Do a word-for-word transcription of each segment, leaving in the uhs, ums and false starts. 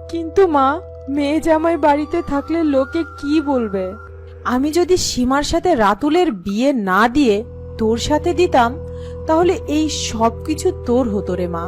কিন্তু মা, মেয়ে জামাই বাড়িতে থাকলে লোকে কি বলবে? আমি যদি সীমার সাথে রাতুলের বিয়ে না দিয়ে তোর সাথে দিতাম, তাহলে এই সব কিছু তোর হতো রে মা।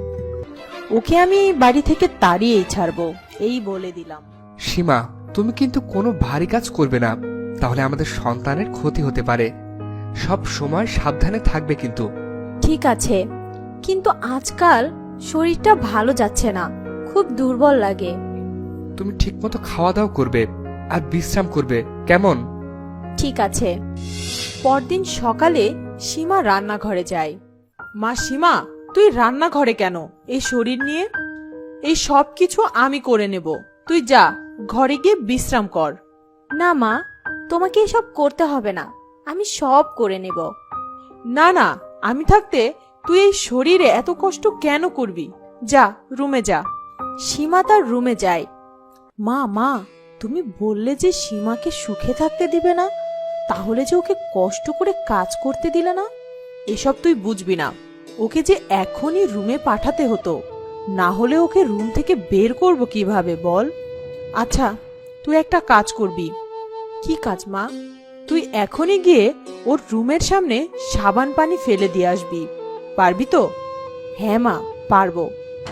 ওকে আমি এই বাড়ি থেকে তাড়িয়েই ছাড়বো, এই বলে দিলাম। সীমা, তুমি কিন্তু কোনো ভারী কাজ করবে না, তাহলে আমাদের সন্তানের ক্ষতি হতে পারে। সব সময় সাবধানে থাকবে কিন্তু। ঠিক আছে, কিন্তু আজকাল শরীরটা ভালো যাচ্ছে না, খুব দুর্বল লাগে। তুমি ঠিকমতো খাওয়া দাওয়া করবে আর বিশ্রাম করবে, কেমন? ঠিক আছে। পরদিন সকালে সীমা রান্নাঘরে যায়। মা সীমা, তুই রান্নাঘরে কেন এই শরীর নিয়ে? এই সব কিছু আমি করে নেব, তুই যা ঘরে গিয়ে বিশ্রাম কর। না মা, তোমাকে এসব করতে হবে না, আমি সব করে নেব। না না, আমি থাকতে তুই এই শরীরে এত কষ্ট কেন করবি? যা রুমে যা। সীমা তার রুমে যায়। মা মা, তুমি বললে যে সীমাকে সুখে থাকতে দিবে না, তাহলে যে ওকে কষ্ট করে কাজ করতে দিলে না? এসব তুই বুঝবি না। ওকে যে এখনই রুমে পাঠাতে হতো, না হলে ওকে রুম থেকে বের করব কিভাবে বল? আচ্ছা, তুই একটা কাজ করবি। কি কাজ মা? তুই এখনই গিয়ে ওর রুমের সামনে সাবান পানি ফেলে দিয়ে আসবি, পারবি তো? হ্যাঁ মা, পারবো।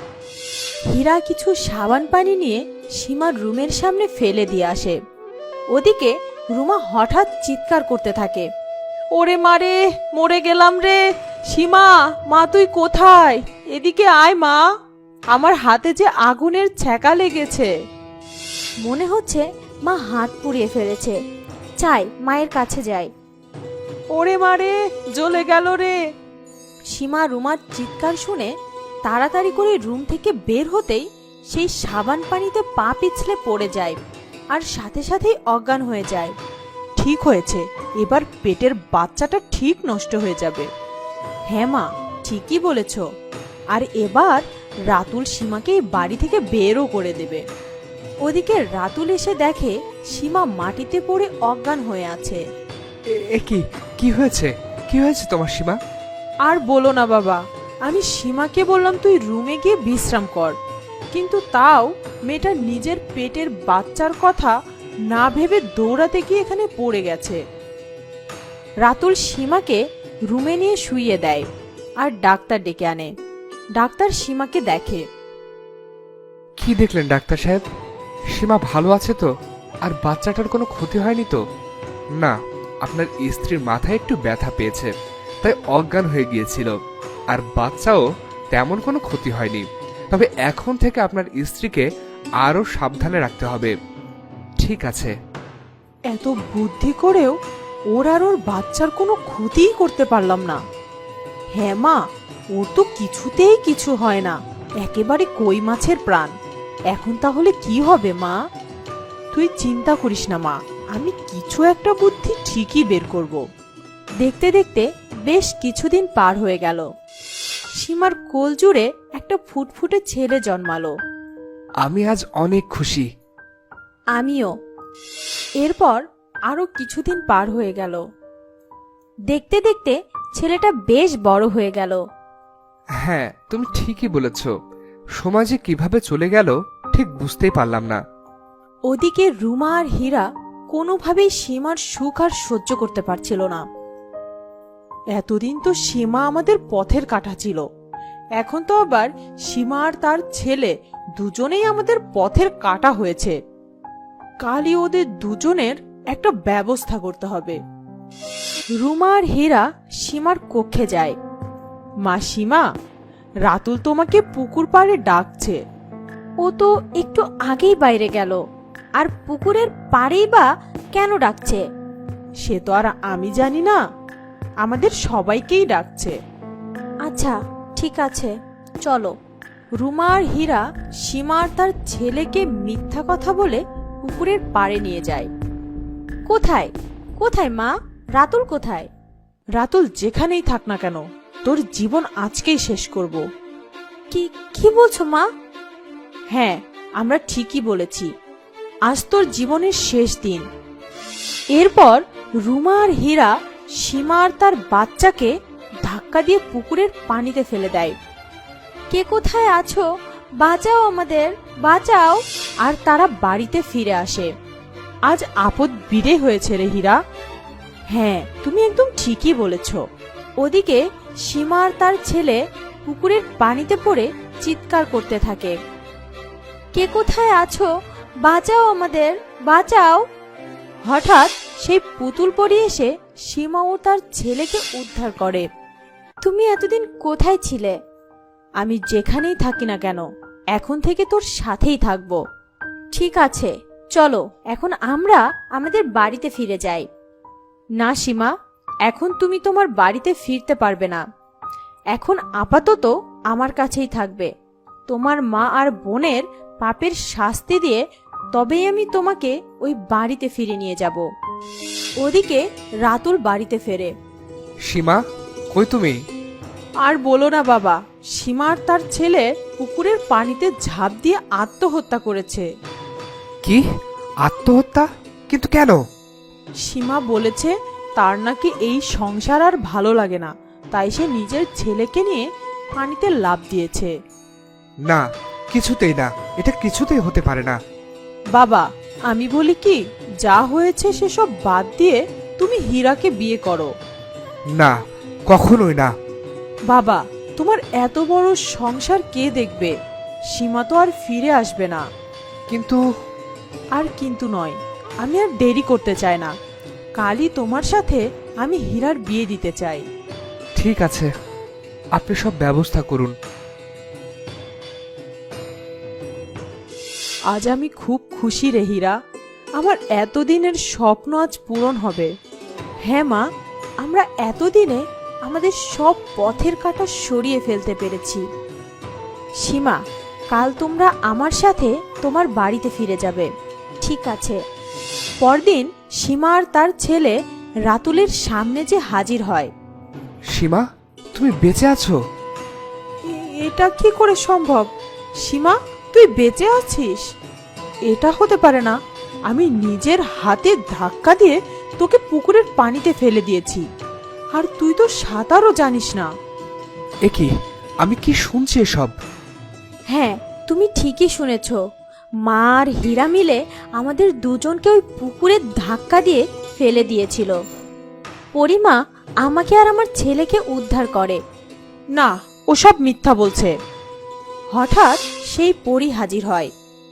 হীরা কিছু সাবান পানি নিয়ে সীমার রুমের সামনে ফেলে দিয়ে আসে। ওদিকে রুমা হঠাৎ চিৎকার করতে থাকে, ওরে মারে, মরে গেলাম রে! সীমা, মা তুই কোথায়? এদিকে আয় মা, আমার হাতে যে আগুনের ছ্যাঁকা লেগেছে। মনে হচ্ছে মা হাত পুড়িয়ে ফেলেছে, চাই মায়ের কাছে যাই। ওরে মারে, জ্বলে গেল রে! সীমা রুমার চিৎকার শুনে তাড়াতাড়ি করে রুম থেকে বের হতেই সেই সাবান পানিতে পা পিছলে পড়ে যায় আর সাথে সাথেই অজ্ঞান হয়ে যায়। ঠিক হয়েছে, এবার পেটের বাচ্চাটা ঠিক নষ্ট হয়ে যাবে। হ্যাঁ মা, ঠিকই বলেছ। আর এবার রাতুল সীমাকে এই বাড়ি থেকে বেরও করে দেবে। ওদিকে রাতুল এসে দেখে সীমা মাটিতে পড়ে অজ্ঞান হয়ে আছে। এ কি কি হয়েছে? কি হয়েছে তোমার সীমা? আর বলো না বাবা, আমি সীমাকে বললাম তুই রুমে গিয়ে বিশ্রাম কর, কিন্তু তাও মেয়েটা নিজের পেটের বাচ্চার কথা না ভেবে দৌড়াতে গিয়ে এখানে পড়ে গেছে। রাতুল সীমাকে রুমে নিয়ে শুইয়ে দেয় আর ডাক্তার ডেকে আনে। ডাক্তার সীমাকে দেখে। কি দেখলেন ডাক্তার সাহেব? সীমা ভালো আছে তো? আর বাচ্চাটার কোনো ক্ষতি হয়নি তো? না, আপনার স্ত্রীর মাথায় একটু ব্যথা পেয়েছে, তাই অজ্ঞান হয়ে গিয়েছিল। আর বাচ্চাও তেমন কোনো ক্ষতি হয়নি। তবে এখন থেকে আপনার স্ত্রীকে আরো সাবধানে রাখতে হবে। ঠিক আছে। এত বুদ্ধি করেও ওর আর ওর বাচ্চার কোনো ক্ষতিই করতে পারলাম না। হ্যাঁ মা, ওর তো কিছুতেই কিছু হয় না, একেবারে কই মাছের প্রাণ। এখন তাহলে কি হবে মা? তুই চিন্তা করিস না মা, আমি কিছু একটা বুদ্ধি ঠিকই বের করব। দেখতে দেখতে বেশ কিছুদিন পার হয়ে গেল। সীমার কোল জুড়ে একটা ফুটফুটে ছেলে জন্মালো। আমি আজ অনেক খুশি। আমিও। এরপর আরো কিছুদিন পার হয়ে গেল। দেখতে দেখতে ছেলেটা বেশ বড় হয়ে গেল। হ্যাঁ, তুমি ঠিকই বলেছ। সমাজে কিভাবে চলে গেল ঠিক বুঝতেই পারলাম না। ওদিকে রুমা আর হীরা কোনোভাবেই সীমার সুখ আর সহ্য করতে পারছিল না। এতদিন তো সীমা আমাদের পথের কাঁটা ছিল, এখন তো আবার সীমা আর তার ছেলে দুজনেই আমাদের পথের কাঁটা হয়েছে। কালই ওদের দুজনের একটা ব্যবস্থা করতে হবে। রুমা আর হীরা সীমার কক্ষে যায়। মা সীমা, রাতুল তোমাকে পুকুর পাড়ে ডাকছে। ও তো একটু আগেই বাইরে গেল, আর পুকুরের পাড়েই বা কেন ডাকছে? সে তো আর আমি জানি না, আমাদের সবাইকেই ডাকছে। আচ্ছা ঠিক আছে, চলো। রুমা আর হীরা সীমা আর তার ছেলেকে মিথ্যা কথা বলে পুকুরের পাড়ে নিয়ে যায়। কোথায় কোথায় মা? রাতুল কোথায়? রাতুল যেখানেই থাক না কেন, তোর জীবন আজকেই শেষ করব। কি কি বলছো মা? হ্যাঁ, আমরা ঠিকই বলেছি, আজ তোর জীবনের শেষ দিন। এরপর রুমা আর হীরা সীমা আর তার বাচ্চাকে ধাক্কা দিয়ে পুকুরের পানিতে ফেলে দেয়। কে কোথায় আছো বাঁচাও আমাদের, বাঁচাও। আর তারা বাড়িতে ফিরে আসে। আজ আপদ বিদে হয়েছে রে হীরা। হ্যাঁ, তুমি একদম ঠিকই বলেছ। ওদিকে সীমা আর তার ছেলে পুকুরের পানিতে পড়ে চিৎকার করতে থাকে, কে কোথায় আছো, বাঁচাও আমাদের, বাঁচাও। হঠাৎ সেই পুতুল পরি এসে সীমা ও তার ছেলেকে উদ্ধার করে। তুমি এতদিন কোথায় ছিলে? আমি যেখানেই থাকি না কেন, এখন থেকে তোর সাথেই থাকবো। ঠিক আছে, চলো এখন আমরা আমাদের বাড়িতে ফিরে যাই। না সীমা, এখন তুমি তোমার বাড়িতে ফিরতে পারবে না। এখন আপাতত আমার কাছেই থাকবে। তোমার মা আর বোনের পাপের শাস্তি দিয়ে তবেই আমি তোমাকে ওই বাড়িতে ফিরে নিয়ে যাব। ওদিকে রাতুল বাড়িতে ফেরে। সীমা, কই তুমি? আর বলো না বাবা, সীমা আর তার ছেলে পুকুরের পানিতে ঝাঁপ দিয়ে আত্মহত্যা করেছে। কি, আত্মহত্যা? কিন্তু কেন? সীমা বলেছে তার নাকি এই সংসার আর ভালো লাগে না, তাই সে নিজের ছেলেকে নিয়ে পানিতে লাফ দিয়েছে। না, কিছুতেই না, এটা কিছুতেই হতে পারে না। বাবা, আমি বলি কি, যা হয়েছে সেসব বাদ দিয়ে তুমি হীরাকে বিয়ে করো। না, কখনোই না। বাবা, তোমার এত বড় সংসার কে দেখবে? সীমা তো আর ফিরে আসবে না। কিন্তু আর কিন্তু নয়, আমি আর দেরি করতে চাই না। কালই তোমার সাথে আমি হীরার বিয়ে দিতে চাই। ঠিক আছে, আপনি সব ব্যবস্থা করুন। আজ আমি খুব খুশি রে হীরা। আমার এতদিনের স্বপ্ন আজ পূরণ হবে। হ্যাঁ মা, আমরা এতদিনে আমাদের সব পথের কাঁটা সরিয়ে ফেলতে পেরেছি। সীমা, কাল তোমরা আমার সাথে তোমার বাড়িতে ফিরে যাবে। ঠিক আছে। পরদিন সীমা আর তার ছেলে রাতুলের সামনে যে হাজির হয়। সীমা, তুমি বেঁচে আছো? এ- এটা কি করে সম্ভব? সীমা, তুই বেঁচে আছিস? এটা হতে পারে না। আমি নিজের হাতে ধাক্কা দিয়ে তোকে পুকুরের পানিতে ফেলে দিয়েছি, আর তুই তো সাঁতারও জানিস না। এ কি, আমি কি শুনছি এসব? হ্যাঁ, তুমি ঠিকই শুনেছ। মা আর হীরা মিলে আমাদের দুজনকে ওই পুকুরে ধাক্কা দিয়ে ফেলে দিয়েছিল। পরিমা আমাকে আর আমার ছেলেকে উদ্ধার করে। না, ওসব মিথ্যা বলছে। হঠাৎ সেই পরী হাজির হয়।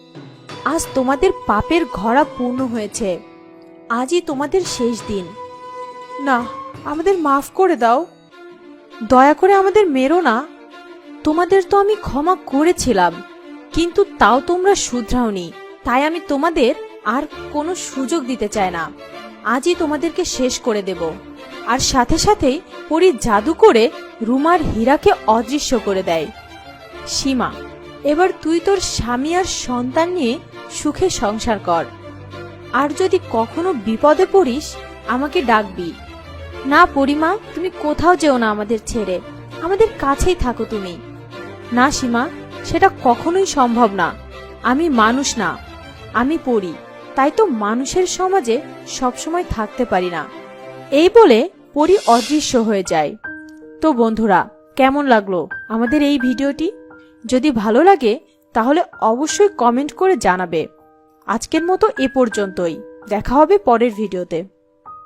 আজ তোমাদের পাপের ঘড়া পূর্ণ হয়েছে। আজই তোমাদের শেষ দিন। না, আমাদের মাফ করে দাও। দয়া করে আমাদের মেরো না। তোমাদের তো আমি ক্ষমা করেছিলাম, কিন্তু তাও তোমরা শুধরাওনি। তাই আমি তোমাদের আর কোনো সুযোগ দিতে চাই না। আজই তোমাদেরকে শেষ করে দেব। আর সাথে সাথেই পরী জাদু করে রুমার হীরাকে অদৃশ্য করে দেয়। সীমা, এবার তুই তোর স্বামী আর সন্তান নিয়ে সুখে সংসার কর। আর যদি কখনো বিপদে পড়িস, আমাকে ডাকবি। না পরিমা, তুমি কোথাও যেও না আমাদের ছেড়ে। আমাদের কাছেই থাকো তুমি। না সীমা, সেটা কখনোই সম্ভব না। আমি মানুষ না, আমি পরী। তাই তো মানুষের সমাজে সবসময় থাকতে পারি না। এই বলে পরী অদৃশ্য হয়ে যায়। তো বন্ধুরা, কেমন লাগলো আমাদের এই ভিডিওটি? যদি ভালো লাগে তাহলে অবশ্যই কমেন্ট করে জানাবে। আজকের মতো এ পর্যন্তই। দেখা হবে পরের ভিডিওতে।